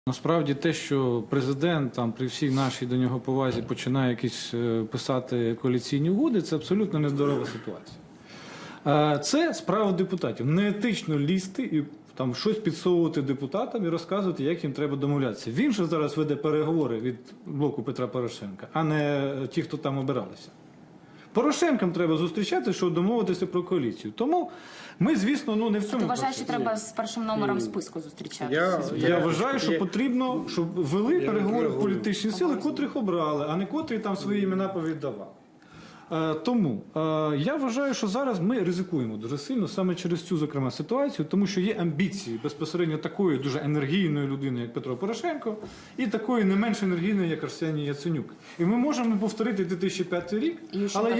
Насправді те, що президент там при всій нашій до нього повазі починає якісь писати коаліційні угоди, це абсолютно нездорова ситуація. Це справа депутатів. Неетично лізти і там щось підсовувати депутатам і розказувати, як їм треба домовлятися. Він же зараз веде переговори від блоку Петра Порошенка, а не ті, хто там обиралися. Порошенкам треба зустрічатися, щоб домовитися про коаліцію. Тому ми, звісно, не в цьому. Ти вважаєш, що треба з першим номером списку зустрічатися? Я вважаю, що потрібно, щоб вели переговори політичні сили, котрих обрали, а не котрі там свої імена повіддавали. Тому я вважаю, що зараз ми ризикуємо дуже сильно саме через цю, зокрема, ситуацію, тому що є амбіції безпосередньо такої дуже енергійної людини, як Петро Порошенко, і такої не менш енергійної, як Арсеній Яценюк. І ми можемо повторити 2005 рік, але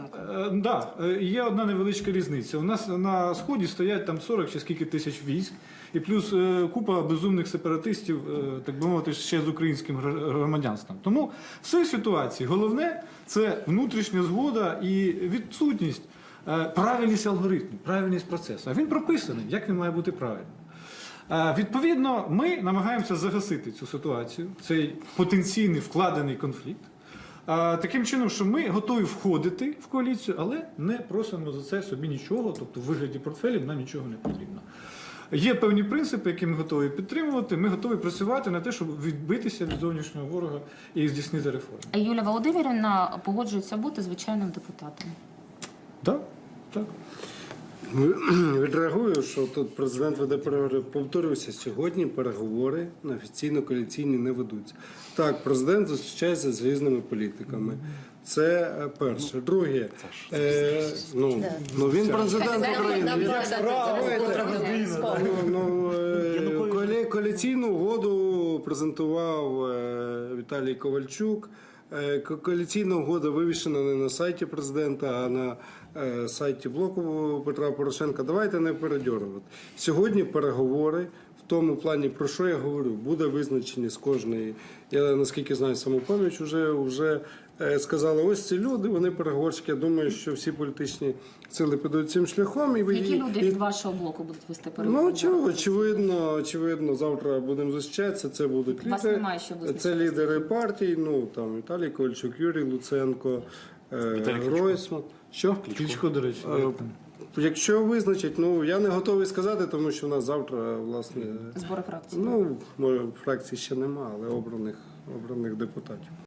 є одна невеличка різниця. У нас на Сході стоять там 40 чи скільки тисяч військ, і плюс купа безумних сепаратистів, так би мовити, ще з українським громадянством. Тому в цій ситуації головне – це внутрішня згода і відсутність, правильність алгоритму, правильність процесу. А він прописаний, як він має бути правильним. Відповідно, ми намагаємося загасити цю ситуацію, цей потенційний вкладений конфлікт, таким чином, що ми готові входити в коаліцію, але не просимо за це собі нічого, тобто в вигляді портфелів нам нічого не потрібно. Є певні принципи, які ми готові підтримувати, ми готові працювати на те, щоб відбитися від зовнішнього ворога і здійснити реформи. А Юлія Володимирівна погоджується бути звичайним депутатом? Так, так. Відреагую, що тут президент веде переговори. Повторюся, сьогодні переговори на офіційно-коаліційні не ведуться. Так, президент зустрічається з різними політиками. Це перше. Друге, він президент України. Коаліційну угоду презентував Віталій Ковальчук. Коаліційна угода вивішена не на сайті президента, а на сайті блоку Петра Порошенка. Давайте не передьорувати. Сьогодні переговори в тому плані, про що я говорю, буде визначені з кожної. Я, наскільки знаю, Самопоміч вже сказали, ось ці люди, вони переговорщики. Я думаю, що всі політичні сили підуть цим шляхом. Які люди від вашого блоку будуть вести переговори? Очевидно, завтра будемо зустрічатися. Це будуть лідери партій, там Віталій Ковальчук, Юрій Луценко, Гройсман. Що? Кличко, до речі. Якщо визначать, я не готовий сказати, тому що в нас завтра, власне... Збори фракції. Фракцій ще нема, але обраних депутатів.